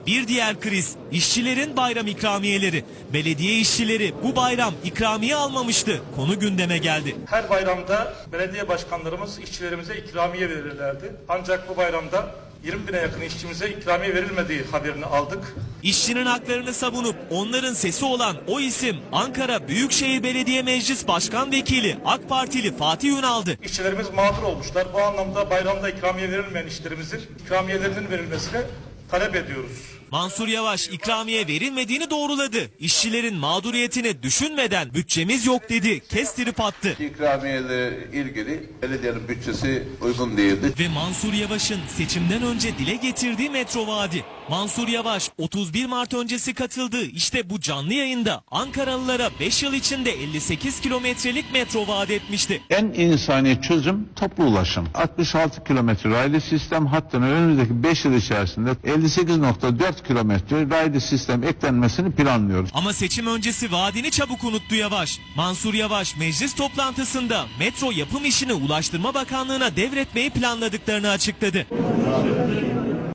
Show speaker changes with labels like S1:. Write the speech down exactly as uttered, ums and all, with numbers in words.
S1: Bir diğer kriz, işçilerin bayram ikramiyeleri. Belediye işçileri bu bayram ikramiye almamıştı. Konu gündeme geldi.
S2: Her bayramda belediye başkanlarımız işçilerimize ikramiye verirlerdi. Ancak bu bayramda yirmi bine yakın işçimize ikramiye verilmediği haberini aldık.
S1: İşçinin haklarını savunup onların sesi olan o isim Ankara Büyükşehir Belediye Meclis Başkan Vekili AK Partili Fatih Ünal'dı.
S2: İşçilerimiz mağdur olmuşlar. Bu anlamda bayramda ikramiye verilmeyen işçilerimizin ikramiyelerinin verilmesini talep ediyoruz.
S1: Mansur Yavaş ikramiye verilmediğini doğruladı. İşçilerin mağduriyetini düşünmeden bütçemiz yok dedi. Kestirip attı.
S3: İkramiyeyle ilgili belediyenin bütçesi uygun değildi.
S1: Ve Mansur Yavaş'ın seçimden önce dile getirdiği metro vaadi. Mansur Yavaş otuz bir Mart öncesi katıldığı işte bu canlı yayında Ankaralılara beş yıl içinde elli sekiz kilometrelik metro vaat etmişti.
S4: En insani çözüm toplu ulaşım. altmış altı kilometre raylı sistem hattına önümüzdeki beş yıl içerisinde elli sekiz nokta dört kilometre raylı sistem eklenmesini planlıyoruz.
S1: Ama seçim öncesi vaadini çabuk unuttu Yavaş. Mansur Yavaş meclis toplantısında metro yapım işini Ulaştırma Bakanlığı'na devretmeyi planladıklarını açıkladı.